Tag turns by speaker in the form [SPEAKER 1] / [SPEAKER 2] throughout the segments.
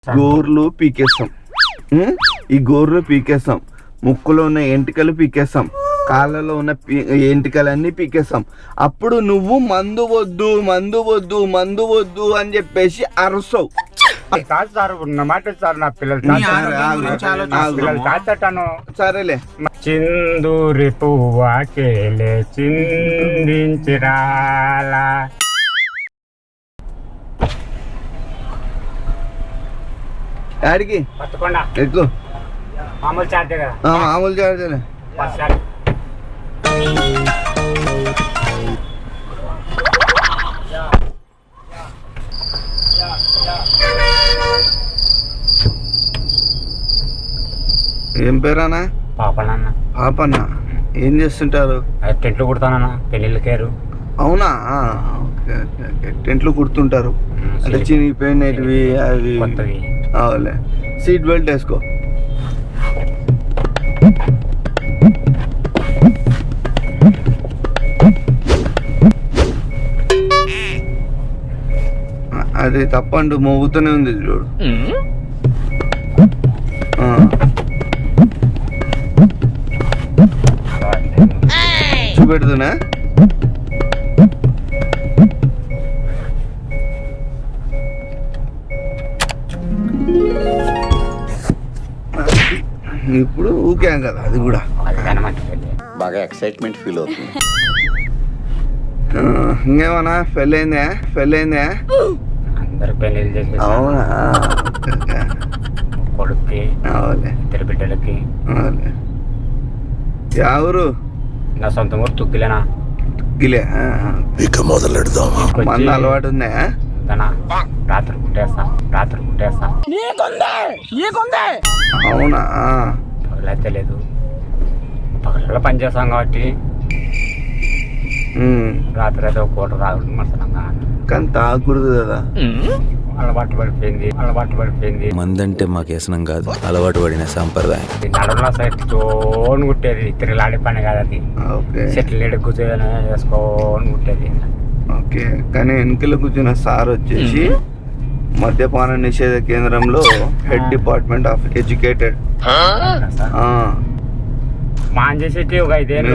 [SPEAKER 1] గోర్లు పీకేస్తాం. ఈ గోర్లు పీకేస్తాం, ముక్కులో ఉన్న ఎంటికలు పీకేస్తాం, కాళ్ళలో ఉన్న ఎంటికలన్నీ పీకేస్తాం. అప్పుడు నువ్వు మందు వద్దు మందు వద్దు మందు వద్దు అని చెప్పేసి అరుస్తావు. సరేలే.
[SPEAKER 2] చిందూరి పువ్వాకేలే చిందించిరాలా.
[SPEAKER 1] ఆడికి
[SPEAKER 2] పట్టుకోండా
[SPEAKER 1] ఎక్కువ
[SPEAKER 2] మామూలు చార్జే కదా.
[SPEAKER 1] మామూలు చార్జేలే. ఏం పేరానా?
[SPEAKER 2] పాపనన్న.
[SPEAKER 1] పాపన్న ఏం చేస్తుంటారు?
[SPEAKER 2] టెంట్లు కుడతానన్న, పెళ్ళిళ్ళకేరు.
[SPEAKER 1] అవునా? Okay okay okay. టెంట్లు కుడుతుంటారు అంటే చినిగిపోయినవి అవి. అవులే. సీట్ బెల్ట్ వేసుకో. అది తప్పండు మోగుతూనే ఉంది చూడు. చూపెడుతున్నా. ఇప్పుడు ఊకే కదా అది కూడా
[SPEAKER 3] బాగా ఎక్సైట్మెంట్ ఫీల్ అవుతుంది.
[SPEAKER 1] ఇంకేమన్నా పెళ్ళైందా? పెళ్ళైందా?
[SPEAKER 2] అందరు పెళ్ళిళ్ళు చేసి.
[SPEAKER 1] అవునా?
[SPEAKER 2] కొడుక్కి,
[SPEAKER 1] అవులే.
[SPEAKER 2] ఇద్దరు బిడ్డలకి.
[SPEAKER 1] అవులే. ఎవరు?
[SPEAKER 2] నా సొంత ఊరు తుక్కిలేనా.
[SPEAKER 1] తుక్కిలే.
[SPEAKER 3] ఇక మొదలెడదామా?
[SPEAKER 1] మంద అలవాటు ఉందా?
[SPEAKER 2] రాత్రి కుట్టేస్తా, రాత్రి కుట్టేస్తా.
[SPEAKER 1] అవునా?
[SPEAKER 2] పగలైతే లేదు, పగలలో పని చేస్తాం కాబట్టి రాత్రి అయితే ఒక పూట తాగుతుంది మసలంగా.
[SPEAKER 1] కానీ తాగకూడదు కదా.
[SPEAKER 2] అలవాటు పడిపోయింది.
[SPEAKER 3] మందంటే మాకు వ్యసనం కాదు, అలవాటు పడిన సాంప్రదాయం.
[SPEAKER 2] నడుల సైడ్ తోని కుట్టేది, తిరగలాడే పని కాదు అది.
[SPEAKER 1] ఓకే.
[SPEAKER 2] చెట్లు ఎడ కూర్చొని వేసుకోని కుట్టేది.
[SPEAKER 1] ఓకే. కానీ వెనుకలు కూర్చున్న సార్ వచ్చేసి మద్యపాన నిషేధ కేంద్రంలో head department of educated.
[SPEAKER 2] Man చేసేటి ఒక 5 ఏళ్ళు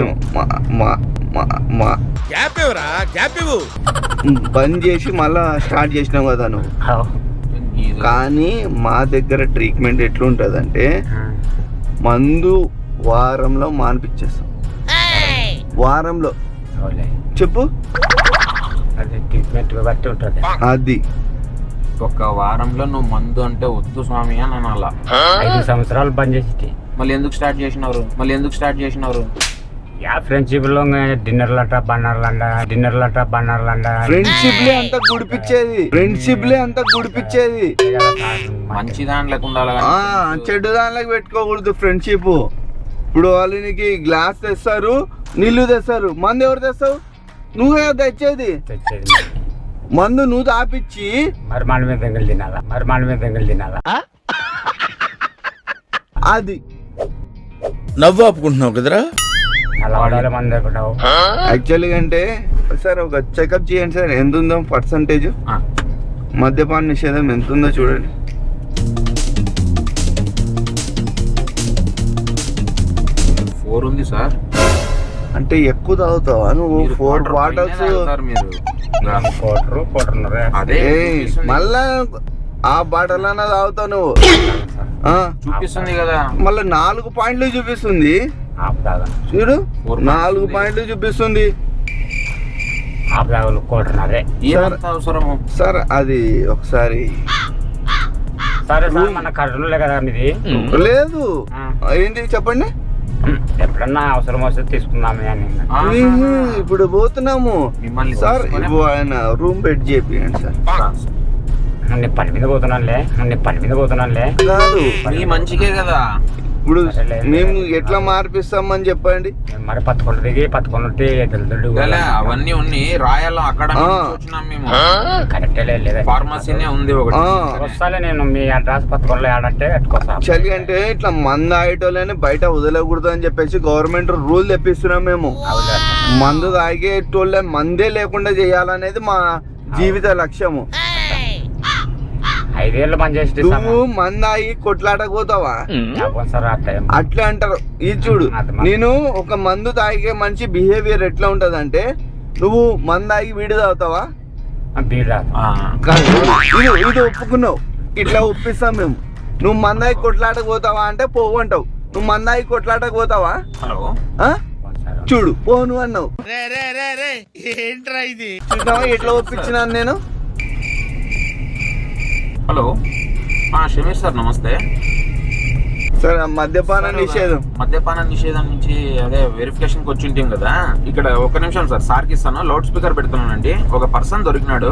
[SPEAKER 1] బంద్ చేసి మళ్ళా స్టార్ట్ చేసినావు కదా నువ్వు. కానీ మా దగ్గర ట్రీట్మెంట్ ఎట్లుంటదంటే మందు వారంలో మానిపించేస్తాం. వారంలో చెప్పు.
[SPEAKER 2] అది ట్రీట్మెంట్ బట్టి ఉంటుంది.
[SPEAKER 1] అది
[SPEAKER 4] ఒక వారంలో నువ్వు మందు అంటే వద్దు స్వామి అని అనాలా.
[SPEAKER 2] 5 సంవత్సరాలు బంద్ చేసేటి.
[SPEAKER 4] మళ్ళీ ఎందుకు స్టార్ట్ చేసినారు?
[SPEAKER 2] ఫ్రెండ్షిప్ లో డిన్నర్లంట బన్నర్లంట.
[SPEAKER 1] ఫ్రెండ్షిప్లే అంతా గుడిపిచ్చేది.
[SPEAKER 4] మంచి దాంట్లోకి ఉండాలి,
[SPEAKER 1] చెడు దానిలోకి పెట్టుకోకూడదు ఫ్రెండ్షిప్. ఇప్పుడు వాళ్ళు నీకు గ్లాస్ తెస్తారు, నీళ్లు తెస్తారు, మందు ఎవరు తెస్తావు? నువ్వే తెచ్చేది. మందు నువ్వు తాపిచ్చి
[SPEAKER 2] మరి మన మీద దెంగలు తినాలా.
[SPEAKER 1] అది
[SPEAKER 3] నవ్వు ఆపుకుంటున్నావు కదరా.
[SPEAKER 2] అలా మంది అనుకుంటావు.
[SPEAKER 1] యాక్చువల్గా అంటే సార్ ఒక చెకప్ చేయండి సార్. ఎంత ఉందో పర్సంటేజ్ మద్యపాన నిషేధం ఎంత ఉందో చూడండి.
[SPEAKER 4] 4 ఉంది సార్.
[SPEAKER 1] అంటే ఎక్కువ తాగుతావా నువ్వు? 4 బాటిల్స్
[SPEAKER 4] మీరు అదే
[SPEAKER 1] మళ్ళా ఆ బాటిల్ అన్నా తాగుతావు నువ్వు.
[SPEAKER 4] చూపిస్తుంది కదా.
[SPEAKER 1] మళ్ళీ 4 పాయింట్లు చూపిస్తుంది చూడు. 4 పాయింట్లు చూపిస్తుంది
[SPEAKER 4] అవసరము
[SPEAKER 1] సార్. అది ఒకసారి
[SPEAKER 2] సరే సార్, మన కర్నూలే కదా మీది.
[SPEAKER 1] లేదు ఏంటి చెప్పండి.
[SPEAKER 2] ఎప్పుడన్నా అవసరం వస్తే తీసుకుందామే అని.
[SPEAKER 1] ఇప్పుడు పోతున్నాము
[SPEAKER 4] మిమ్మల్ని
[SPEAKER 1] సార్. ఇప్పుడు ఆయన రూమ్ బెడ్ చేపియండి సార్.
[SPEAKER 2] నేను పని మీద పోతున్నానులే.
[SPEAKER 1] కాదు,
[SPEAKER 4] మీ మంచికే కదా.
[SPEAKER 1] ఇప్పుడు మేము ఎట్లా మార్పిస్తామని చెప్పండి.
[SPEAKER 2] మరి పత్తుకుంటే
[SPEAKER 4] అవన్నీ ఉన్నాయి రాయాల. అక్కడ మేము
[SPEAKER 2] కరెక్టే లేదా?
[SPEAKER 4] ఫార్మసీనే ఉంది ఒకటి.
[SPEAKER 2] వస్తాలే నేను మీ అడ్రస్ పత్తుకొండలో ఆడంటే పెట్టుకోసా.
[SPEAKER 1] చలి అంటే ఇట్లా మందు ఆగేటోళ్ళని బయట వదలకూడదు అని చెప్పేసి గవర్నమెంట్ రూల్ తెప్పిస్తున్నాం మేము. మందు తాగేటోళ్ళ మందే లేకుండా చేయాలనేది మా జీవిత లక్ష్యము.
[SPEAKER 2] 5 ఏళ్ళు పనిచేసి
[SPEAKER 1] నువ్వు మందాయి కొట్లాటకు పోతావా?
[SPEAKER 2] సార్ అట్లా
[SPEAKER 1] అట్లా అంటారు. ఇది చూడు, నేను ఒక మందు తాగే మనిషి బిహేవియర్ ఎట్లా ఉంటది అంటే, నువ్వు మందాగి వీడి తాగుతావా? ఇది ఒప్పుకున్నావు, ఇట్లా ఒప్పిస్తాం మేము. నువ్వు మందాయి కొట్లాటకు పోతావా అంటే పోవు అంటావు. నువ్వు మందాయి కొట్లాటకు పోతావా? చూడు పోను అన్నావు. చూసినావా ఎట్లా ఒప్పించినాను నేను?
[SPEAKER 4] హలో షమీర్ సార్ నమస్తే
[SPEAKER 1] సార్. మద్యపాన నిషేధం
[SPEAKER 4] నుంచి అదే వెరిఫికేషన్ కి వచ్చి ఉంటాం కదా. ఇక్కడ ఒక నిమిషం సార్, సార్కి ఇస్తాను. లౌడ్ స్పీకర్ పెడుతున్నానండి. ఒక పర్సన్ దొరికినాడు.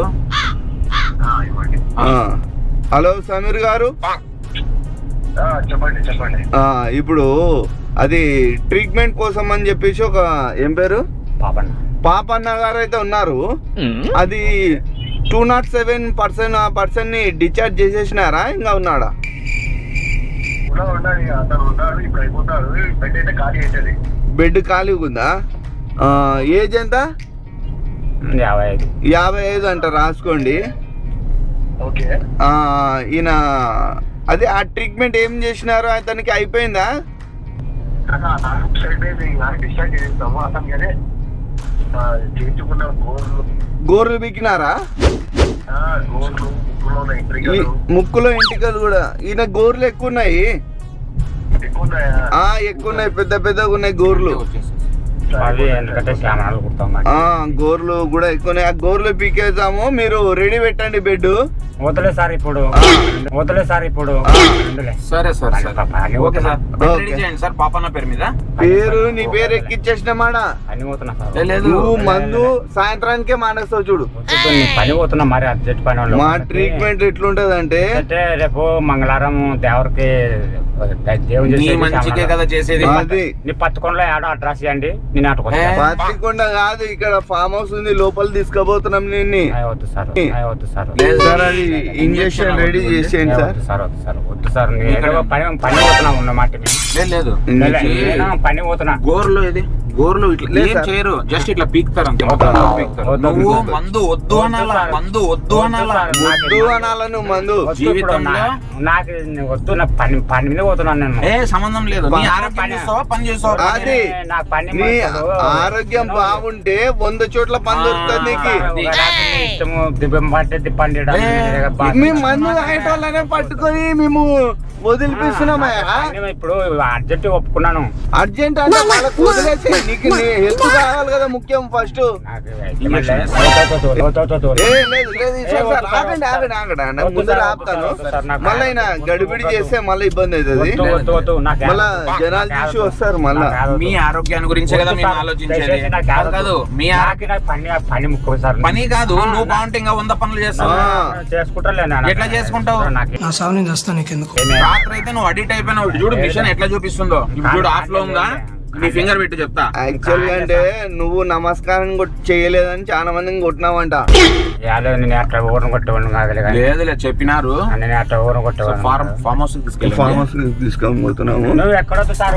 [SPEAKER 1] హలో సమీర్ గారు,
[SPEAKER 5] చెప్పండి.
[SPEAKER 1] ఇప్పుడు అది ట్రీట్మెంట్ కోసం అని చెప్పేసి ఒక ఏం పేరు పాపన్న గారు అయితే ఉన్నారు. అది 207 పర్సన్ ని డిశ్చార్జ్ చేసేసినారా, ఇంకా ఉన్నాడా? బెడ్ ఖాళీ ఉందా? ఏజ్ ఎంత? 55 అంట, రాసుకోండి. ఈయన అదే ఆ ట్రీట్మెంట్ ఏం చేసినారు, అతనికి అయిపోయిందా? గోర్లు బిక్కినారా? ముక్కులో ఎంటికలు కూడా. ఈయన గోర్లు ఎక్కువ ఉన్నాయి. ఎక్కువ ఉన్నాయి, పెద్ద పెద్దగా ఉన్నాయి గోర్లు. గోర్లు కూడా ఎక్కువ. ఆ గోర్లు పీకేద్దాము. మీరు రెడీ పెట్టండి బెడ్.
[SPEAKER 2] వదలే సార్ ఇప్పుడు.
[SPEAKER 4] సరే సార్, ఓకే సార్. రెడీ చేయండి సార్. పాపన్న పేరు మీద
[SPEAKER 1] పేరు, నీ పేరు ఎక్కిచ్చేసినామాడా? నువ్వు మందు సాయంత్రానికే మానేస్తావు చూడు.
[SPEAKER 2] పని పోతున్నా మరి అర్జెంట్ పని.
[SPEAKER 1] మా ట్రీట్మెంట్ ఎట్లుంటది అంటే,
[SPEAKER 2] రేపు మంగళవారం దేవరికి
[SPEAKER 4] మంచికే కదా చేసేది.
[SPEAKER 2] నీ పత్తికొండలో ఏడో అడ్రస్ ఇవ్వండి, నేను అటు
[SPEAKER 1] పత్తికొండ కాదు, ఇక్కడ ఫామ్ హౌస్ ఉంది, లోపల తీసుకుపోతున్నాం నిన్ను.
[SPEAKER 2] వద్దు సార్, వద్దు సార్.
[SPEAKER 1] అది ఇంజక్షన్ రెడీ చేసేయండి సార్.
[SPEAKER 2] వద్దు సార్, పని పోతున్నా ఉన్నమాట.
[SPEAKER 4] లేదు
[SPEAKER 2] పని పోతున్నా.
[SPEAKER 4] గోర్లు ఇది గోర్లు ఇట్లా ఏం చేయరు, జస్ట్ ఇట్లా పీక్తారు అంతే. నువ్వు మందు వద్దు అనాలా, మందు వద్దు అనాలా,
[SPEAKER 1] వద్దు అనాలా. నువ్వు మందు
[SPEAKER 4] జీవితంలో
[SPEAKER 2] నాకు వద్దు. నా పని మీద పోతున్నాను నేను.
[SPEAKER 4] ఏ సంబంధం లేదు. నీ ఆరోగ్యం చేస్తావా, పని చేస్తావా?
[SPEAKER 1] అది నీ ఆరోగ్యం బాగుంటే 100 చోట్ల పని దొరుకుతుంది నీకు.
[SPEAKER 2] ఇష్టము దిబ్బం పట్టి పండి
[SPEAKER 1] మేము మందు తాగేటోళ్ళనే పట్టుకొని మేము వదిలిపిస్తున్నామా?
[SPEAKER 2] ఇప్పుడు అర్జెంట్ ఒప్పుకున్నాను.
[SPEAKER 1] అర్జెంట్ అంటే వాళ్ళకు వదిలేసి, నీకు నీ హెల్త్ కావాలి కదా ముఖ్యం ఫస్ట్. ముందర ఆపుతాను. మళ్ళీ ఆయన గడిబిడి చేస్తే మళ్ళీ ఇబ్బంది అవుతుంది. మళ్ళా జనాలు చూసి వస్తారు. మళ్ళా
[SPEAKER 4] మీ ఆరోగ్యాన్ని గురించే కదా మేము ఆలోచించేది. కాదు మీ
[SPEAKER 2] పని ముఖ్యం సార్.
[SPEAKER 4] పని కాదు, నువ్వు బాగుంటే ఇంకా 100 పనులు చేస్తావు. ఎట్లా చేసుకుంటావు? రాత్రి అయితే నువ్వు అడిట్ అయిపోయినావు. చూడు మిషన్ ఎట్లా చూపిస్తుందో. చూడు ఆఫ్ లో ఉందా, నీ ఫింగర్ పెట్టి చెప్తా.
[SPEAKER 1] యాక్చువల్ గా అంటే నువ్వు నమస్కారం చేయలేదని చాలా మందిని కొట్టినావంట.
[SPEAKER 2] నేను అట్లా ఊరం కొట్టేవాడిని.
[SPEAKER 4] లేదులే చెప్పినారు.
[SPEAKER 2] నేను అట్లా ఊరం కొట్టేవాడిని.
[SPEAKER 4] ఫార్మ్ హౌస్
[SPEAKER 1] తీసుకొని పోతున్నాము.
[SPEAKER 2] నువ్వు ఎక్కడొద్దు సార్.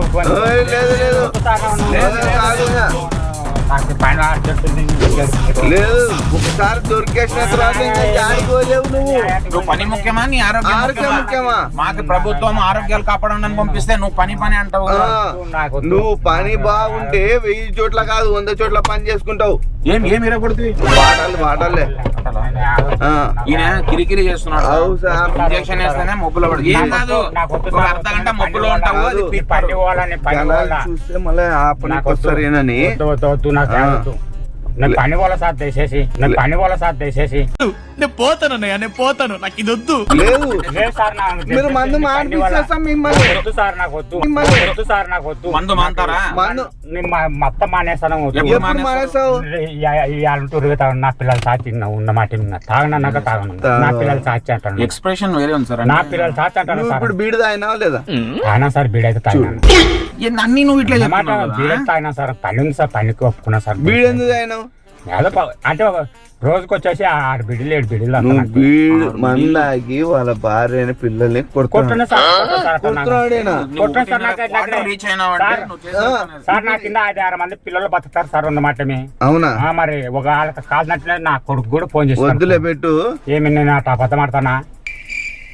[SPEAKER 1] లేదు, ఒకసారి దొరికేసిన తర్వాత
[SPEAKER 4] నువ్వు పని ముఖ్యమా, నీ ఆరోగ్యం ముఖ్యమా? మాకు ప్రభుత్వం ఆరోగ్యాలు కాపాడని పంపిస్తే నువ్వు పని అంటావు.
[SPEAKER 1] నువ్వు పని బాగుంటే 1000 చోట్ల కాదు 100 చోట్ల పని చేసుకుంటావు.
[SPEAKER 4] ఏమి ఇరగొడుతుంది
[SPEAKER 1] వాటాలే.
[SPEAKER 4] ఈయన కిరికిరి చేస్తున్నాడు. ఇంజక్షన్ వేస్తేనే మొబ్బులో పడుతుంది. ఏం కాదు, ఒక అర్ధగంట మొబ్బులో ఉంటావు.
[SPEAKER 1] చూస్తే మళ్ళీ ఆ పనికి వస్తారేనని
[SPEAKER 2] పని వాళ్ళ సార్ తీసేసి
[SPEAKER 6] నేను పోతాను, నాకు ఇది వద్దు.
[SPEAKER 1] లేదు
[SPEAKER 2] సార్,
[SPEAKER 1] మీరు మందు మానిపిస్తాం మిమ్మల్ని.
[SPEAKER 2] వద్దు సార్, నాకు వద్దు.
[SPEAKER 4] మందు మాంటారా?
[SPEAKER 2] మొత్తం మానేస్తాను.
[SPEAKER 1] మానేస్తావు?
[SPEAKER 2] నా పిల్లలు సాచి ఉన్న మాట తాగనన్నాక తాగను. నా పిల్లలు సాచి అంటాను.
[SPEAKER 4] ఎక్స్ప్రెషన్ వేరే ఉంది సార్.
[SPEAKER 2] నా పిల్లలు సాచి అంటాను.
[SPEAKER 1] ఇప్పుడు బీడు తాగినా లేదా?
[SPEAKER 2] తాగినా సార్, బీడైతే తాగినాను.
[SPEAKER 4] అన్ని నువ్వు ఇట్లా
[SPEAKER 2] బీడైతే తాగినా సార్. పని ఉంది సార్, పనికి ఒప్పుకున్నా సార్.
[SPEAKER 1] బీడు ఎందుకు తాగినావు?
[SPEAKER 2] అంటే రోజుకి వచ్చేసి 6 బిడ్డలు 7 బిడ్డలు.
[SPEAKER 1] బీడు మందాగి వాళ్ళ భార్య పిల్లల్ని
[SPEAKER 2] కొట్టున్నా సార్. నా కింద 5-6 మంది పిల్లలు బతుకుతారు సార్ ఉన్నమాటమే.
[SPEAKER 1] అవునా?
[SPEAKER 2] మరి ఒక వాళ్ళకి కాలినట్లే నా కొడుకు కూడా ఫోన్ చేసి
[SPEAKER 1] వద్దులే పెట్టు.
[SPEAKER 2] ఏమి నేను అబద్ధం ఆడతానా?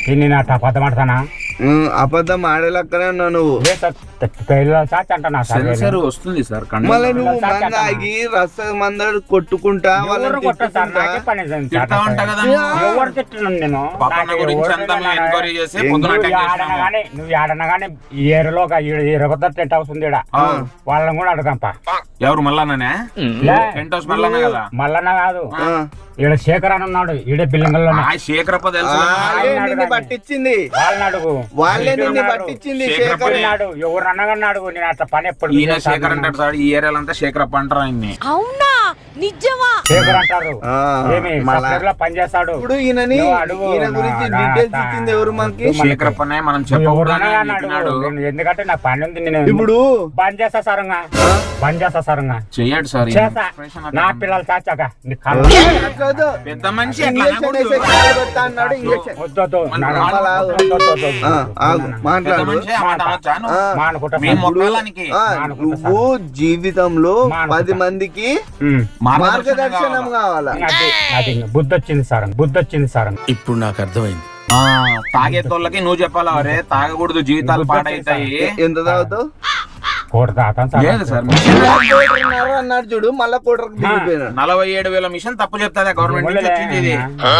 [SPEAKER 2] నేను అట్లా అబద్ధం ఆడతానా
[SPEAKER 1] అబద్ధం ఆడేలక్కనే ఉన్నావు నువ్వు.
[SPEAKER 2] పిల్లల సాచి అంటున్నా సార్
[SPEAKER 4] సెన్సర్ వస్తుంది సార్ కన్ను.
[SPEAKER 1] మళ్ళీ నువ్వు మందాగి రస మందడు కొట్టుకుంటా వాళ్ళని
[SPEAKER 2] కొట్టా సార్
[SPEAKER 1] తిట్టుకుంటా.
[SPEAKER 2] నాకే పని
[SPEAKER 4] తిడతా ఉంటా కదా
[SPEAKER 2] ఎవరు తిట్టున్నాను నేను
[SPEAKER 4] పాప నా గురించి అంతా మేము ఎంక్వైరీ చేసి పొద్దున అటాక్ చేసినాము.
[SPEAKER 2] నువ్వు ఆడనా గానీ ఈ ఏరియాలో ఒక 20 టెంట్ హౌస్ ఉంది ఈడ. వాళ్ళని కూడా అడగంపా.
[SPEAKER 4] ఎవరు మల్లన్ననే? టెంట్ హౌస్ మల్లన్న కదా?
[SPEAKER 2] మల్లన్న కాదు,
[SPEAKER 1] ఆ.
[SPEAKER 2] ఈడ శేఖర్ అని ఉన్నాడు ఈడే బిల్లింగల్లో.
[SPEAKER 4] ఆ శేఖరప్ప తెలుసు.
[SPEAKER 1] వాళ్ళే నిన్ను పట్టించింది,
[SPEAKER 2] వాళ్ళని అడుగు.
[SPEAKER 1] వాళ్ళే నిన్ను పట్టించింది.
[SPEAKER 4] శేఖరప్ప
[SPEAKER 1] శేఖర్
[SPEAKER 2] అన్నాడు ఎవరు అన్నగానే అడుగు. నేను అట్లా పని ఎప్పుడు
[SPEAKER 4] ఈయన శేఖర్ అంటాడు సార్, ఈ ఏరియాలో అంతా శేఖరప్ప అంటారు ఆయన్ని.
[SPEAKER 5] అవునా నిజమా?
[SPEAKER 2] శేఖర్ అంటారు.
[SPEAKER 1] ఆ,
[SPEAKER 2] ఏమి
[SPEAKER 1] మళ్ళా.
[SPEAKER 2] సాఫ్ట్వేర్ లో పని చేస్తాడు.
[SPEAKER 1] ఇప్పుడు ఈయనని
[SPEAKER 2] నువ్వు అడుగు.
[SPEAKER 1] ఈయన గురించి
[SPEAKER 2] నా-
[SPEAKER 1] డీటెయిల్స్
[SPEAKER 2] నా-
[SPEAKER 1] ఇచ్చింది ఎవరు మనకి?
[SPEAKER 4] శేఖరప్పనే మనం
[SPEAKER 2] ఎవరు
[SPEAKER 4] చెప్పకూడదని
[SPEAKER 2] అన్నగానే
[SPEAKER 4] చెప్పినాడు.
[SPEAKER 2] అడుగు. నేను ఎందుకంటే నా పని ఉంది. నేను
[SPEAKER 1] ఇప్పుడు
[SPEAKER 2] బంద్ చేస్తా సారంగా, బంద్ చేస్తా సారంగా
[SPEAKER 4] చెయ్యడు సార్ ఈ
[SPEAKER 2] చేస్తా.
[SPEAKER 4] expression
[SPEAKER 2] నా
[SPEAKER 4] అట్లా.
[SPEAKER 2] పిల్లలు చాచాక నీ కాళ్ళు
[SPEAKER 1] కాదు,
[SPEAKER 4] పెద్ద మనిషి అట్లా
[SPEAKER 1] ఇంజక్షన్
[SPEAKER 4] అనకూడదు.
[SPEAKER 1] వేసే కాలు పెడతా అన్నాడు. ఇంజక్షన్
[SPEAKER 2] వద్దు వద్దు.
[SPEAKER 4] మన
[SPEAKER 2] నా-
[SPEAKER 4] కాళ్ళు
[SPEAKER 2] వద్దు, వద్దు, వద్దు, వద్దు.
[SPEAKER 1] ఆగు
[SPEAKER 4] పెద్ద
[SPEAKER 1] మాట్లాడు.
[SPEAKER 4] మనిషి ఆ మాట అనొచ్చా నువ్వు?
[SPEAKER 1] ఆ.
[SPEAKER 2] మానుకుంటా
[SPEAKER 4] మేము
[SPEAKER 2] సార్.
[SPEAKER 4] మొక్కలానికి
[SPEAKER 1] ఆ, నువ్వు జీవితంలో
[SPEAKER 2] మానుకుంటా.
[SPEAKER 1] 10 మందికి
[SPEAKER 2] ఉమ్.
[SPEAKER 1] మార్గదర్శనం కావాలా?
[SPEAKER 2] అది బుద్ధి వచ్చింది సార్, బుద్ధి వచ్చింది సార్.
[SPEAKER 3] ఇప్పుడు నాకు అర్థమైంది.
[SPEAKER 4] ఆ, తాగేతోళ్ళకి నువ్వు చెప్పాలా అరే తాగకూడదు జీవితాలు పాడైతాయి.
[SPEAKER 1] ఎంత తాగుతావు?
[SPEAKER 2] కోట తాతాను సార్.
[SPEAKER 4] లేదు సార్
[SPEAKER 1] కోటరున్నర అన్నాడు చూడు, మళ్ళా కోటరకు దిగిపోయినాడు.
[SPEAKER 4] 47,000 మిషన్ తప్పు చెప్తాదా గవర్నమెంట్ నుంచి వచ్చింది ఇది.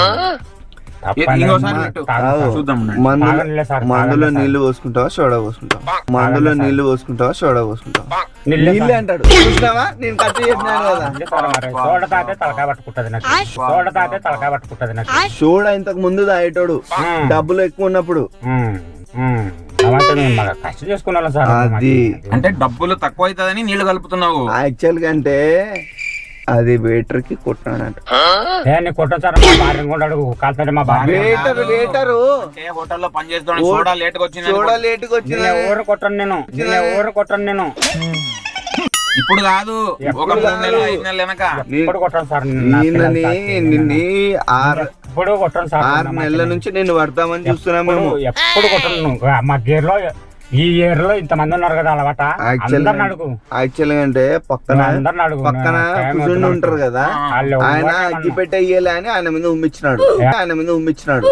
[SPEAKER 2] తప్పని
[SPEAKER 4] ఇంకోసారి
[SPEAKER 2] మా-
[SPEAKER 4] పెట్టు.
[SPEAKER 2] తాగను సార్.
[SPEAKER 4] చూద్దాం ఉండండి.
[SPEAKER 2] తాగనులే సార్,
[SPEAKER 1] మందులో
[SPEAKER 2] తాగనులే
[SPEAKER 1] నీళ్లు పోసుకుంటావా సోడా పోసుకుంటావా? మందులో నీళ్లు పోసుకుంటావా సోడా పోసుకుంటావా?
[SPEAKER 2] నీళ్ళే
[SPEAKER 1] నీళ్ళే
[SPEAKER 2] సార్.
[SPEAKER 1] అంటాడు. చూసినావా, నేను కట్ చేసినాను కదా.
[SPEAKER 2] నీళ్ళే సార్ మరి. సోడ తాగితే తలకాయ పట్టుకుంటది నాకు. సోడ తాగితే తలకాయ పట్టుకుంటది నాకు.
[SPEAKER 1] సోడా ఇంతకు ముందు తాగేటోడు డబ్బులు ఎక్కువ ఉన్నప్పుడు.
[SPEAKER 2] ఉమ్, ఉమ్. అవంతా నేను మళ్ళా కష్టం చేసుకున్నాను సార్.
[SPEAKER 1] అది
[SPEAKER 4] అంటే డబ్బులు తక్కువ అవుతుందని నీళ్లు కలుపుతున్నావు.
[SPEAKER 1] యాక్చువల్ గా అంటే అది వెయిటర్ కి కొట్టినాడంట.
[SPEAKER 2] నేను కొట్టను సార్. మా భార్య కూడా అడుగు కాల్తాడు. మా భార్య
[SPEAKER 1] వెయిటరు
[SPEAKER 4] ఏ హోటల్లో పని చేస్తాడు సోడా లేట్ గా వచ్చింది
[SPEAKER 1] సోడా
[SPEAKER 4] అనుకో.
[SPEAKER 1] లేట్ గా వచ్చింది.
[SPEAKER 2] ఊరు కొట్టను నేను, ఊరు కొట్టను నేను.
[SPEAKER 4] ఇప్పుడు కాదు ఒక 3 నెలలు 5 నెలలు వెనక.
[SPEAKER 2] ఇప్పుడు కొట్టను సార్. నా పిల్లలు
[SPEAKER 1] నిన్నని
[SPEAKER 2] సాక్షి.
[SPEAKER 1] నిన్ని
[SPEAKER 2] ఇప్పుడు కొట్టను సార్.
[SPEAKER 1] 6 నెలల నుంచి నేను పడతామని చూస్తున్నాం మేము.
[SPEAKER 2] ఎప్పుడు కొట్టను. మా గేర్ లో ఈ ఇయర్ లో ఇంత మంది ఉన్నారు కదా అలవాట. అందరిని అడుగు.
[SPEAKER 1] యాక్చువల్ గా అంటే పక్కన
[SPEAKER 2] అందరిని అడుగు.
[SPEAKER 1] పక్కన కూర్చుని ఉంటారు కదా,
[SPEAKER 2] వాళ్ళు
[SPEAKER 1] ఆయన
[SPEAKER 2] ఎవరు
[SPEAKER 1] అగ్గి పెట్టేయాలి అని ఆయన మీద ఉమ్మిచ్చినాడు. ఆయన మీద ఉమ్మిచ్చినాడు.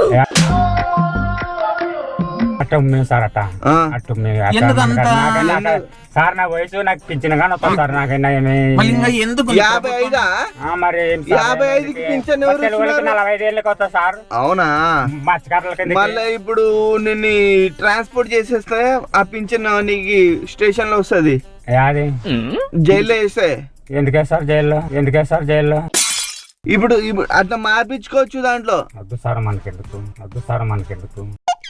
[SPEAKER 2] అట్ట ఉమ్మేం సార్ అట్ట
[SPEAKER 1] ఆ.
[SPEAKER 2] అట్టు ఉమ్మేం. అట్ట
[SPEAKER 4] ఎందుకంత?
[SPEAKER 2] నాకైనా అట్ట- సార్ నా వయసు నాకు పింఛన్ గానీ వస్తుంది సార్. నాకైనా ఏమి
[SPEAKER 4] మళ్ళీ ఇంకా ఎందుకు
[SPEAKER 1] 55
[SPEAKER 2] మరి ఏం సార్?
[SPEAKER 1] 55కి పింఛన్ ఎవరు
[SPEAKER 2] తెలుగులకి
[SPEAKER 1] ఇస్తున్నారు?
[SPEAKER 2] 45 ఏళ్ళకి వస్తా సార్.
[SPEAKER 1] అవునా?
[SPEAKER 2] మత్స్యకారులకి
[SPEAKER 1] మళ్ళీ ఇప్పుడు నిన్ను ట్రాన్స్పోర్ట్ చేసేస్తే ఆ పింఛన్ నీకు స్టేషన్ లో వస్తుంది.
[SPEAKER 2] అది
[SPEAKER 1] జైల్లో వేస్తే
[SPEAKER 2] ఎందుకే సార్ జైల్లో? ఎందుకే సార్ జైల్లో?
[SPEAKER 1] ఇప్పుడు ఇప్పుడు అట్లా మార్పించుకోవచ్చు దాంట్లో.
[SPEAKER 2] వద్దు సార్ మనకెందుకు, వద్దు సార్ మనకెందుకు.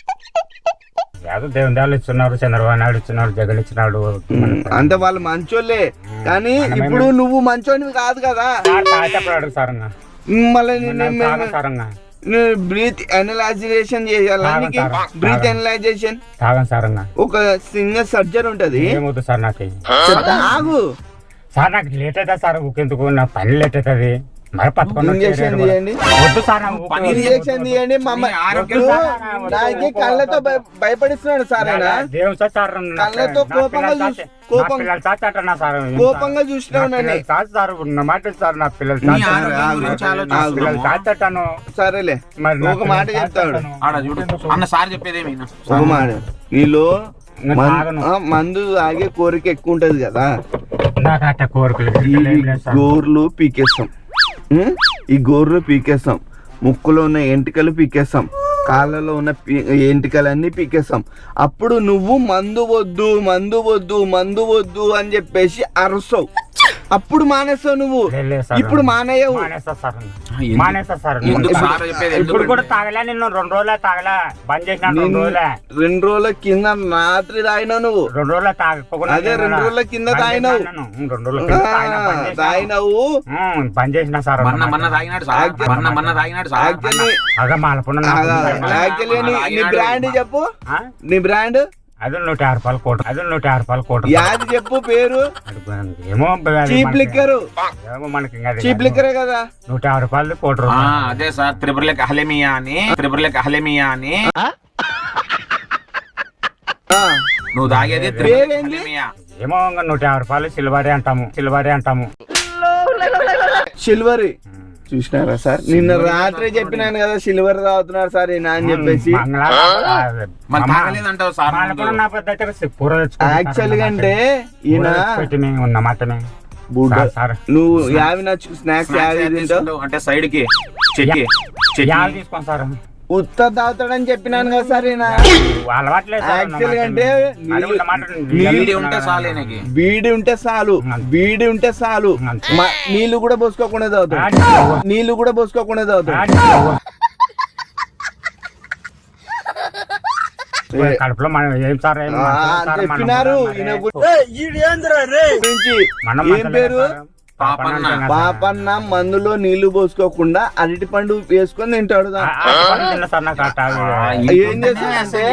[SPEAKER 2] ఏదో దేవుని దేవాలు ఇస్తున్నారు, చంద్రబాబు నాయుడు ఇచ్చినాడు, జగన్ ఇచ్చినాడు.
[SPEAKER 1] అంటే వాళ్ళు మంచోళ్ళే, కానీ ఇప్పుడు నువ్వు మంచోనివి కాదు కదా.
[SPEAKER 2] సార్ తాగేటప్పుడు అడుగు సార్ ఇంకా.
[SPEAKER 1] మళ్ళీ
[SPEAKER 2] తాగను సార్ ఇంకా.
[SPEAKER 1] బ్రీత్ అనలైజేషన్ చేయాలి. బ్రీత్ అనలైజేషన్
[SPEAKER 2] తాగను సార్ ఇంకా.
[SPEAKER 1] ఒక సింగర్ సర్జన్ ఉంటది.
[SPEAKER 2] ఏమవుతుంది సార్ నాకు?
[SPEAKER 1] ఆగు,
[SPEAKER 2] సార్ నాకు లేట్ అవుతుంది సార్. ఊకెందుకు నా పని లేట్ అవుతుంది. మరి పట్టుకొని
[SPEAKER 1] ఇంజక్షన్ తీయండి,
[SPEAKER 2] వద్దు సార్ నాకు ఊకే
[SPEAKER 1] ఇంజక్షన్ తీయండి. నాకు కళ్ళతో భయపడిస్తున్నాడు సార్ ఆయన.
[SPEAKER 2] దేవుని సార్ సార్
[SPEAKER 1] కళ్ళతో కోపంగా
[SPEAKER 2] కోపం పిల్లలు చాచి అంటున్నా సార్.
[SPEAKER 1] కోపంగా చూసినావు నన్ను.
[SPEAKER 2] చాచి సార్ ఉన్న మాట సార్. నా పిల్లలు
[SPEAKER 4] నీ
[SPEAKER 2] చాచి
[SPEAKER 4] ఆరోగ్యం గురించి
[SPEAKER 1] ఆగు.
[SPEAKER 2] పిల్లలు
[SPEAKER 4] ఆలోచిస్తున్నాము.
[SPEAKER 2] చాచి అంటాను.
[SPEAKER 1] సరేలే,
[SPEAKER 2] మరి నా
[SPEAKER 1] ఒక మాట
[SPEAKER 2] పిల్లలు
[SPEAKER 1] చెప్తాడు.
[SPEAKER 2] చాచి
[SPEAKER 4] ఆడ చూడు అన్న సార్ చెప్పేదేమి
[SPEAKER 1] ఒక మాట, నీలో
[SPEAKER 2] నేను తాగను.
[SPEAKER 1] మందు తాగే కోరిక ఎక్కువ ఉంటది కదా.
[SPEAKER 2] నాకు అట్ట కోరికలు
[SPEAKER 1] ఈ
[SPEAKER 2] ఏం లేదు సార్.
[SPEAKER 1] గోర్లు పీకేస్తాం, ఈ గోర్లు పీకేస్తాం, ముక్కులో ఉన్న ఎంటికలు పీకేస్తాం, కాళ్ళలో ఉన్న ఎంటికలన్నీ పీకేస్తాం. అప్పుడు నువ్వు మందు వద్దు మందు వద్దు మందు వద్దు అని చెప్పేసి అరుస్తావు. అప్పుడు మానేస్తావు నువ్వు.
[SPEAKER 2] లేదు సార్.
[SPEAKER 1] ఇప్పుడు మానేయవు.
[SPEAKER 2] మానేస్తా సార్.
[SPEAKER 4] ఎందుకు?
[SPEAKER 2] మానేస్తా సార్.
[SPEAKER 4] ఎందుకు సార్ చెప్పేది?
[SPEAKER 2] ఇప్పుడు కూడా తాగలే. నిన్ను 2 రోజులే తాగలే. బంద్ చేసిన 2 రోజులే.
[SPEAKER 1] 2 రోజుల కింద రాత్రి తాగినావు నువ్వు.
[SPEAKER 2] 2 రోజులే తాగకుండా
[SPEAKER 1] అదే 2 రోజుల కింద తాగినావు.
[SPEAKER 2] 2 రోజుల కింద తాగినా, బంద్ చేసినా.
[SPEAKER 1] తాగినావు.
[SPEAKER 2] బంద్ చేసిన సార్.
[SPEAKER 4] మొన్న తాగినాడు సార్. మొన్న తాగినాడు సార్.
[SPEAKER 1] యాక్చువల్లీ
[SPEAKER 2] అదే మాలపున్న
[SPEAKER 1] నీ బ్రాండ్ చెప్పు. నీ బ్రాండ్
[SPEAKER 2] అది 150 రూపాయలు కోట. అది 150 రూపాయలు కోట.
[SPEAKER 1] యాది చెప్పు పేరు.
[SPEAKER 2] ఏమో
[SPEAKER 1] చీప్ లిక్కర్.
[SPEAKER 2] ఏమో మనకి ఇంకా అది
[SPEAKER 1] చీప్ లిక్కరే కదా.
[SPEAKER 2] 150 రూపాయలు కోట
[SPEAKER 4] ఆ,
[SPEAKER 2] రూపాయలు.
[SPEAKER 4] అదే సార్ త్రిపురలకి అహ్లమియా అని
[SPEAKER 1] ఆ,
[SPEAKER 4] నువ్వు తాగేది
[SPEAKER 1] పేరేంది?
[SPEAKER 4] అహ్లమియా.
[SPEAKER 2] ఏమో ఇంకా 150 రూపాయలు సిల్వరీ అంటాము.
[SPEAKER 1] సిల్వరీ. చూసినారా సార్, నిన్న రాత్రి చెప్పినాను కదా సిల్వర్ తాగుతున్నారు సార్ ఈయన అని చెప్పేసి.
[SPEAKER 4] మరి తాగలేదంటావు సార్
[SPEAKER 1] యాక్చువల్ గా అంటే ఈయన బుడ్డ, నువ్వు యావి నచ్చు స్నాక్స్ యావి తింటావు
[SPEAKER 4] అంటే సైడ్ కి చెక్కి
[SPEAKER 2] తీసుకోండి సార్.
[SPEAKER 1] ఉత్త తాగుతాడని చెప్పినాను కదా సార్ ఈయన. యాక్చువల్ గా అంటే
[SPEAKER 4] బీడి ఉంటే చాలు ఈయనకి.
[SPEAKER 1] బీడి ఉంటే చాలు, బీడి ఉంటే చాలు. నీళ్లు కూడా పోసుకోకుండా తాగుతాడు, నీళ్లు కూడా పోసుకోకుండా తాగుతాడు.
[SPEAKER 2] కడుపులో మనం ఏం సార్
[SPEAKER 1] చెప్పినారు ఈయన గురించి. ఏం పేరు? పాపన్న. మందులో నీళ్లు పోసుకోకుండా అరటి పండు వేసుకొని తింటాడు. ఏం చేస్తానంటే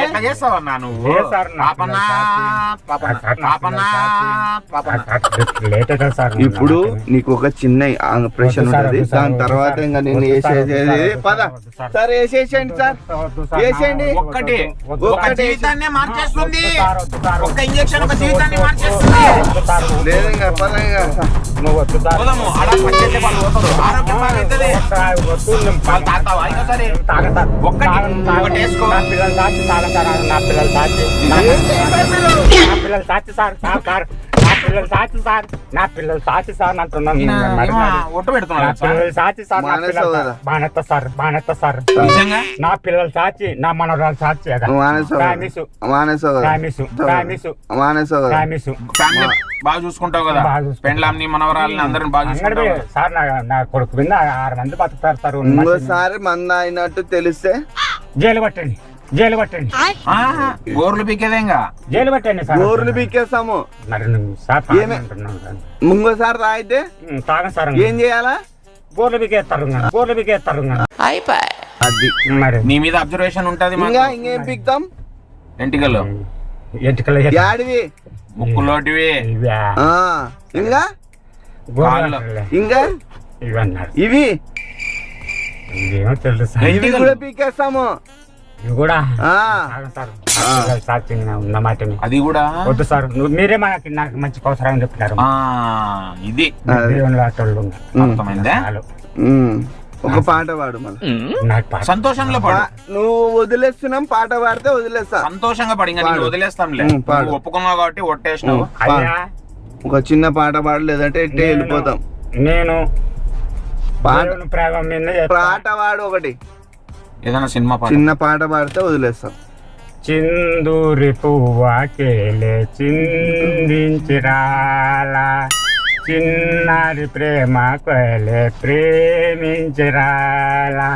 [SPEAKER 1] ఇప్పుడు నీకు ఒక చిన్న ఆపరేషన్ ఉంటుంది, దాని తర్వాత ఇంకా నేను వేసేసేది. పద సార్ వేసేసేయండి సార్, వేసేయండి.
[SPEAKER 4] ఒక జీవితాన్ని మార్చేస్తుంది, ఒక ఇంజెక్షన్ ఒక జీవితాన్ని మార్చేస్తుంది.
[SPEAKER 1] లేదు ఇంకా పద ఇంకా.
[SPEAKER 4] పోదాము, ఆడ పనిచేసే వాళ్ళు పోతారు, ఆరోగ్యం బాగవుతుంది. వాళ్ళు తాగుతావా? అయినా సరే ఒకటి వేసుకో.
[SPEAKER 2] నా పిల్లలు సాచి సార్, నా పిల్లలు సాచి సార్, నా పిల్లలు సాచి సార్, నా పిల్లలు సాచి సార్ అంటున్నాను.
[SPEAKER 4] ఒట్టు పెడుతున్నాడు
[SPEAKER 2] పిల్లలు సాచి సార్, బానెత్త సార్, బానెత్త సార్.
[SPEAKER 4] నిజంగా
[SPEAKER 2] నా పిల్లలు సాచి, నా మనవరాలు సాచి.
[SPEAKER 4] ఫ్యామిలీ బాగా చూసుకుంటావు కదా, పెండ్లాంని మనవరాలని అందరిని బాగా చూసుకుంటావు
[SPEAKER 2] సార్. నా కొడుకు మీద 6 మంది బతుకుతారు సార్.
[SPEAKER 1] ఇంకోసారి మంద అయినట్టు తెలిస్తే
[SPEAKER 2] జైలు పట్టండి, జైలు పట్టండి.
[SPEAKER 4] గోర్లు పీకేదేంగా
[SPEAKER 2] జైలు పట్టండి సార్.
[SPEAKER 1] గోర్లు పీకేస్తాము.
[SPEAKER 2] మరి సార్
[SPEAKER 1] ఇంకోసారి రాయితే
[SPEAKER 2] తాగం సార్.
[SPEAKER 1] ఏం చేయాలా?
[SPEAKER 2] గోర్లు పీకేస్తారు, గోర్లు పీకేస్తారు.
[SPEAKER 1] అది
[SPEAKER 2] మరి
[SPEAKER 4] నీ మీద అబ్జర్వేషన్ ఉంటది.
[SPEAKER 1] ఇంకా ఇంకేం పీక్తాం?
[SPEAKER 4] ఎంటికలు
[SPEAKER 1] యాడివి?
[SPEAKER 4] ముక్కులోటివి.
[SPEAKER 1] ఇంకా ఇంకా
[SPEAKER 2] ఇవన్నారు.
[SPEAKER 1] ఇవి
[SPEAKER 2] ఇవేమో తెలుసు సార్.
[SPEAKER 1] ఇవి కూడా పీకేస్తాము.
[SPEAKER 2] ఇవి కూడా సార్ ఉన్న మాటని.
[SPEAKER 4] అది కూడా
[SPEAKER 2] వద్దు సార్, మీరే నాకు మంచి అవసరం చెప్పినారు.
[SPEAKER 4] ఇది అర్థమైందా?
[SPEAKER 1] ఒక పాట పాడు మళ్ళీ.
[SPEAKER 4] సంతోషంలో పాడు.
[SPEAKER 1] నువ్వు వదిలేస్తున్నాం, పాట పాడితే వదిలేస్తా.
[SPEAKER 4] సంతోషంగా పడి ఒదిలేస్తాంలే. ఒప్పుకున్నావు కాబట్టి ఒట్టేసినావు.
[SPEAKER 1] ఒక చిన్న పాట పాడు, లేదంటే ఎట్టే వెళ్ళిపోతాం.
[SPEAKER 2] నేను
[SPEAKER 1] పాట పాడు ఒకటి,
[SPEAKER 4] ఏదైనా సినిమా పాట.
[SPEAKER 1] చిన్న పాట పాడితే వదిలేస్తాం.
[SPEAKER 2] చిందూరి పువ్వాకేలే చిందించిరాలా, చిన్నారి ప్రేమ కొలే ప్రేమించరాలా.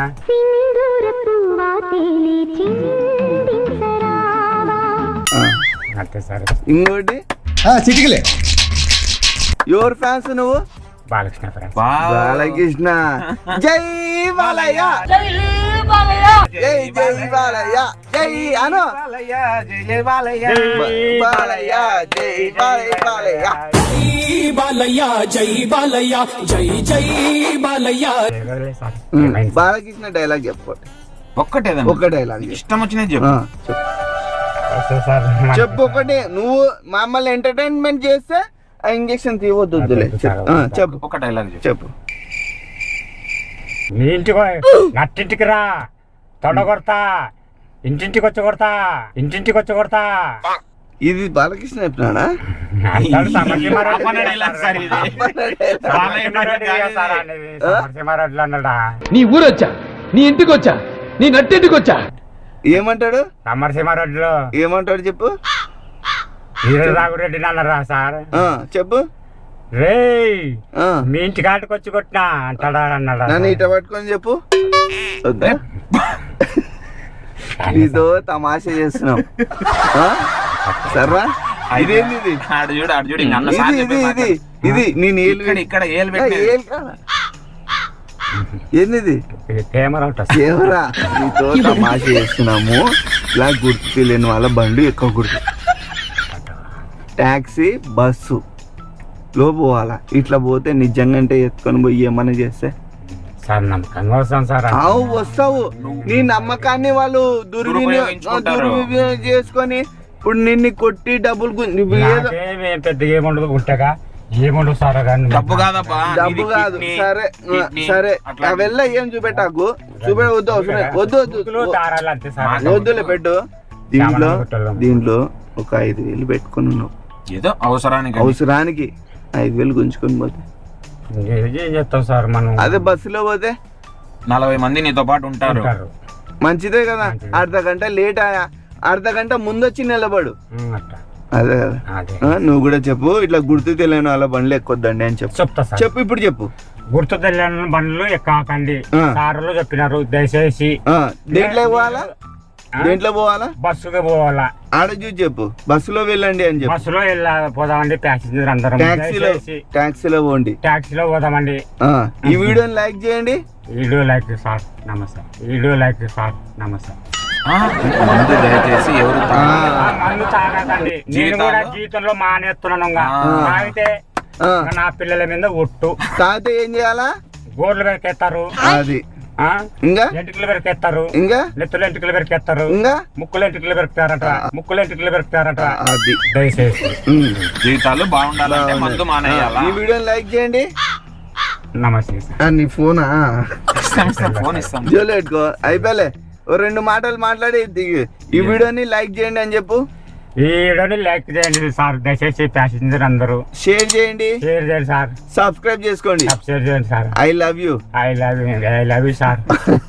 [SPEAKER 2] అంతే సార్.
[SPEAKER 1] ఇంకోటి
[SPEAKER 7] చిటికలే.
[SPEAKER 1] ఎవరు ఫ్యాన్స్ నువ్వు?
[SPEAKER 2] బాలకృష్ణ ఫ్యాన్స్.
[SPEAKER 1] బాలకృష్ణ. జై బాలయ్య, జై జై బాలయ్య, జై అను
[SPEAKER 4] జై బాలయ్య,
[SPEAKER 1] బాలయ్య జై బాలయ్య,
[SPEAKER 7] బాలయ్య జై బాలయ్య, జై జై బాలయ్య.
[SPEAKER 1] బాలకృష్ణ డైలాగ్ చెప్పండి.
[SPEAKER 4] ఒక్కటేదా?
[SPEAKER 1] ఒక్క డైలాగ్
[SPEAKER 4] ఇష్టం వచ్చినది చెప్పు.
[SPEAKER 1] చెప్పు ఒకటి. నువ్వు మమ్మల్ని ఎంటర్టైన్మెంట్ చేస్తే ఆ ఇంజక్షన్ తీయవద్దు. చెప్పు
[SPEAKER 4] ఒక డైలాగ్
[SPEAKER 1] చెప్పు.
[SPEAKER 2] నీ ఇంటికి నట్టింటికి రా, తొడ కొడతా, ఇంటింటికి వచ్చి కొడతా, ఇంటింటికి వచ్చి కొడతా.
[SPEAKER 1] ఇది బాలకృష్ణ చెప్పినాడా?
[SPEAKER 7] నీ ఊరొచ్చా, నీ ఇంటికి వచ్చా, నీ నట్టింటికి వచ్చా.
[SPEAKER 1] ఏమంటాడు?
[SPEAKER 2] సమరసింహారెడ్డిలో
[SPEAKER 1] ఏమంటాడు చెప్పు.
[SPEAKER 2] వీరరాఘురెడ్డి అన్నారా సార్?
[SPEAKER 1] చెప్పు.
[SPEAKER 2] రే మీ ఇంటి కాటికి వచ్చి కొట్టినా అంటాడా అన్నాడా?
[SPEAKER 1] నన్ను ఇట పట్టుకొని చెప్పు. నీతో తమాషా చేస్తున్నాం సర్వా. ఇదేంది ఇది? ఇది నేను
[SPEAKER 4] ఇక్కడ
[SPEAKER 1] ఏంది?
[SPEAKER 2] కెమెరా
[SPEAKER 1] నీతో తమాషా చేస్తున్నాము. ఇలా గుర్తు తెలియని వాళ్ళ బండి ఎక్కువ గుర్తు. టాక్సీ బస్సు లో పోవాలా, ఇట్లా పోతే నిజంగా అంటే ఎత్తుకొని పోయి ఏమన్నా చేస్తే
[SPEAKER 2] సార్ నమ్మకంగా వస్తాం సార్.
[SPEAKER 1] వస్తావు. నీ నమ్మకాన్ని వాళ్ళు దుర్వినియోగం చేసుకొని ఇప్పుడు నిన్ను కొట్టి డబ్బులు
[SPEAKER 2] పెద్దగా ఏముండదు. ఉంటగా ఏముండవు సార్ కానీ
[SPEAKER 4] డబ్బు కాదబ్బా,
[SPEAKER 1] డబ్బు
[SPEAKER 4] నీది
[SPEAKER 1] కాదు.
[SPEAKER 4] కిడ్నీ,
[SPEAKER 1] సరే
[SPEAKER 4] కిడ్నీ,
[SPEAKER 1] సరే
[SPEAKER 4] అట్లా.
[SPEAKER 1] వెళ్ళ ఏం చూపెట్టాకు చూపె వద్దు అవసరం లేదు. వద్దు వద్దు
[SPEAKER 2] దారాలు అంతే సార్.
[SPEAKER 1] వద్దులే పెట్టు. దీంట్లో
[SPEAKER 2] సామాన్లు పెట్టాలి.
[SPEAKER 1] దీంట్లో ఒక 5,000 పెట్టుకుని ఉన్నావు.
[SPEAKER 4] ఏదో అవసరానికి
[SPEAKER 1] అవసరానికి 5,000 గుంజుకొని పోతే
[SPEAKER 2] ఏం చేస్తాం సార్ మనం.
[SPEAKER 1] అదే బస్సులో పోతే
[SPEAKER 4] 40 మంది నీతో పాటు ఉంటారు.
[SPEAKER 2] ఉంటారు.
[SPEAKER 1] మంచిదే కదా. అర్ధ గంట లేట్ ఆయా, అర్ధ గంట ముందు వచ్చి నిలబడు.
[SPEAKER 2] అట్లా
[SPEAKER 1] అదే కదా.
[SPEAKER 2] అదే
[SPEAKER 1] నువ్వు కూడా చెప్పు, ఇట్లా గుర్తు తెలియని వాళ్ళ బండ్లు ఎక్కొద్దండి అని చెప్పు.
[SPEAKER 2] చెప్తా సార్.
[SPEAKER 1] చెప్పు ఇప్పుడు చెప్పు.
[SPEAKER 2] గుర్తు తెలియని బండ్లు ఎక్కకండి.
[SPEAKER 1] ఆ.
[SPEAKER 2] సార్లు చెప్పినారు దయచేసి.
[SPEAKER 1] దేంట్లో పోవాలా, దేంట్లో పోవాలా,
[SPEAKER 2] బస్సుకి పోవాలా.
[SPEAKER 1] ఆడ చూసి చెప్పు, బస్సులో వెళ్ళండి అని చెప్పు.
[SPEAKER 2] బస్సులో పోదామండి ప్యాసింజర్ అందరం.
[SPEAKER 1] ట్యాక్సీలో
[SPEAKER 2] దయచేసి
[SPEAKER 1] ట్యాక్సీలో పోండి.
[SPEAKER 2] ట్యాక్సీలో పోదామండి.
[SPEAKER 1] ఈ వీడియోని లైక్ చేయండి.
[SPEAKER 2] వీడియో లైక్ సార్ నమస్తే. వీడియో లైక్ సార్ నమస్తే.
[SPEAKER 4] ఆ, మందు దయచేసి ఎవరు తాగొద్దు.
[SPEAKER 2] మందు తాగకండి. నేను కూడా జీవితంలో మానేస్తున్నాను. తాగితే నా పిల్లల మీద ఒట్టు.
[SPEAKER 1] తాగితే ఏం చేయాలా,
[SPEAKER 2] గోర్లు పెరికేస్తారు.
[SPEAKER 1] అది ఇంకా
[SPEAKER 2] ఎంటికలు పెరికేస్తారు.
[SPEAKER 1] ఇంకా
[SPEAKER 2] నెత్తులు ఎంటికలు పెరికేస్తారు.
[SPEAKER 1] ఇంకా
[SPEAKER 2] ముక్కులు ఎంటికలు పెరుకుతారట. ముక్కులు ఎంటికలు పెరుకుతారట.
[SPEAKER 1] అది
[SPEAKER 2] దయచేసి
[SPEAKER 4] జీవితాలు బాగుండాలంటే మందు మానేయాలా?
[SPEAKER 1] ఈ వీడియోని లైక్ చేయండి.
[SPEAKER 2] నమస్తే సార్.
[SPEAKER 1] నీ ఫోనా
[SPEAKER 4] ఇస్తాం, ఫోన్ ఇస్తాం.
[SPEAKER 1] జోలు పెట్టుకో. అయిపోలే, ఓ 2 మాటలు మాట్లాడి ఈ వీడియోని లైక్ చేయండి అని చెప్పు.
[SPEAKER 2] ఈ వీడియోని లైక్ చేయండి సార్ దయచేసి. ప్యాసింజర్ అందరూ
[SPEAKER 1] షేర్ చేయండి,
[SPEAKER 2] షేర్ చేయండి సార్.
[SPEAKER 1] సబ్స్క్రైబ్ చేసుకోండి.
[SPEAKER 2] షేర్ చేయండి sir.
[SPEAKER 1] I love you.
[SPEAKER 2] I love you sir.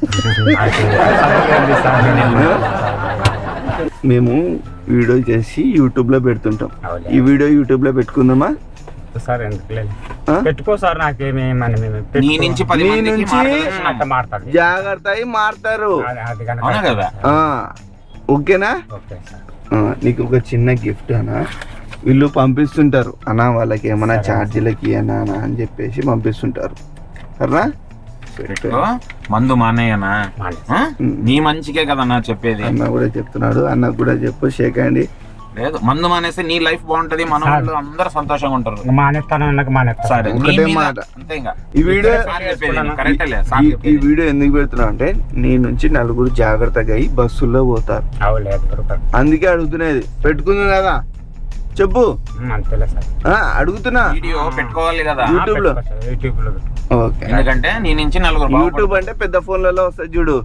[SPEAKER 1] మేము వీడియో చేసి యూట్యూబ్ లో పెడుతుంటాం.
[SPEAKER 2] అవునా.
[SPEAKER 1] ఈ వీడియో యూట్యూబ్ లో పెట్టుకుందామా
[SPEAKER 2] సార్ ఎందుకు లేదు,
[SPEAKER 1] ఆ?
[SPEAKER 2] పెట్టుకో సార్. నాకేమి
[SPEAKER 4] నీ నుంచి 10
[SPEAKER 1] నీ
[SPEAKER 4] మందికి
[SPEAKER 1] నుంచి
[SPEAKER 4] మార్గదర్శనం.
[SPEAKER 2] అట్ట మారుతుంది.
[SPEAKER 1] జాగ్రత్త అయి మారుతారు.
[SPEAKER 2] అది కనుక
[SPEAKER 4] అవునా కదా?
[SPEAKER 1] ఓకేనా.
[SPEAKER 2] Okay sir.
[SPEAKER 1] నీకు ఒక చిన్న గిఫ్ట్ అనా, వీళ్ళు పంపిస్తుంటారు అన్నా, వాళ్ళకి ఏమైనా ఛార్జీలకి అన్నా అని చెప్పేసి పంపిస్తుంటారు. సరేనా,
[SPEAKER 4] పెట్టుకో. మందు మానేయనా? ఆ? నీ మంచికే కదన్నా చెప్పేది.
[SPEAKER 1] అన్న కూడా చెప్తున్నాడు, అన్న కూడా చెప్పు. షేక్ అండి.
[SPEAKER 4] లేదు, మందు మానేస్తే నీ లైఫ్ బాగుంటది, మన వాళ్ళు అందరూ సంతోషంగా ఉంటారు.
[SPEAKER 2] మానేస్తాను అన్నకు మానేస్తాను.
[SPEAKER 4] సరే, నీ
[SPEAKER 1] ఒకటే
[SPEAKER 4] మీద
[SPEAKER 1] మాట.
[SPEAKER 4] అంతే ఇంకా.
[SPEAKER 1] ఈ వీడియో
[SPEAKER 4] సార్ చెప్పేది నువ్వు కరెక్టే లే, సార్
[SPEAKER 1] ఈ
[SPEAKER 4] చెప్పేది.
[SPEAKER 1] వీడియో ఎందుకు పెడుతున్నావు అంటే, నీ నుంచి నలుగురు జాగ్రత్తగా అయి బస్సుల్లో పోతారు.
[SPEAKER 2] అవలేదు
[SPEAKER 1] అందుకే అడుగుతున్నది. పెట్టుకుంది కదా, చెప్పు.
[SPEAKER 2] అంతేలే సార్.
[SPEAKER 1] అడుగుతున్నా.
[SPEAKER 4] వీడియో పెట్టుకోవాలి కదా,
[SPEAKER 1] యూట్యూబ్ లో.
[SPEAKER 2] యూట్యూబ్ లో
[SPEAKER 1] ఓకే.
[SPEAKER 4] ఎందుకంటే నీ నుంచి నలుగురు
[SPEAKER 1] యూట్యూబ్ అంటే పెద్ద ఫోన్లలో వస్తాయి చూడు.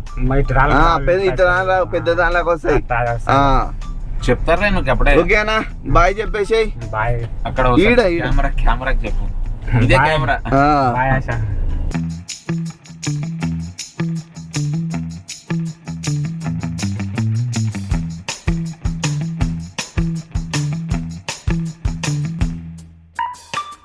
[SPEAKER 1] పెద్ద దానిలోకి వస్తాయి.
[SPEAKER 4] చెప్తారా నువ్వు అప్పుడే.
[SPEAKER 1] ఓకేనా, బాయ్ చెప్పేసేయ్.
[SPEAKER 2] బాయ్.
[SPEAKER 4] అక్కడ
[SPEAKER 1] ఈడ.
[SPEAKER 4] కెమెరాకి చెప్పు, ఇదే కెమెరా.
[SPEAKER 2] బాయ్ ఆశ.